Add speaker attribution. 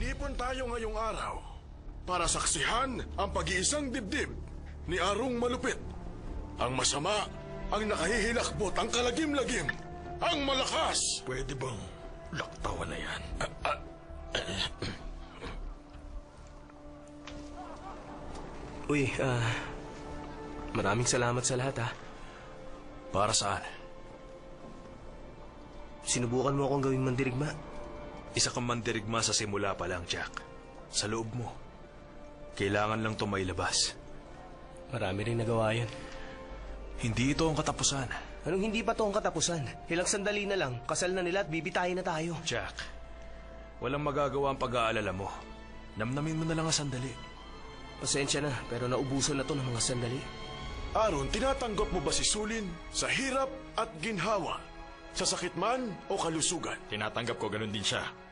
Speaker 1: Nag-ipon tayo ngayong araw para saksihan ang pag-iisang dibdib ni Arong Malupit. Ang masama, ang nakahihilakbot, ang kalagim-lagim, ang malakas.
Speaker 2: Pwede bang laktawan na yan?
Speaker 3: Uy, maraming salamat sa lahat, ha.
Speaker 2: Para saan?
Speaker 3: Sinubukan mo akong gawing mandirigma.
Speaker 2: Isa kang mandirigma sa simula pa lang, Jack. Sa loob mo. Kailangan lang ito mailabas.
Speaker 3: Marami rin nagawa yun.
Speaker 2: Hindi ito ang katapusan.
Speaker 3: Anong hindi pa to ang katapusan? Ilang sandali na lang, kasal na nila at bibitayin na tayo.
Speaker 2: Jack, walang magagawa ang pag-aalala mo. Namnamin mo na lang ang sandali.
Speaker 3: Pasensya na, pero naubusan na to ng mga sandali.
Speaker 1: Aron, tinatanggap mo ba si Sulin sa hirap at ginhawa? Sa sakit man o kalusugan?
Speaker 4: Tinatanggap ko, ganun din siya.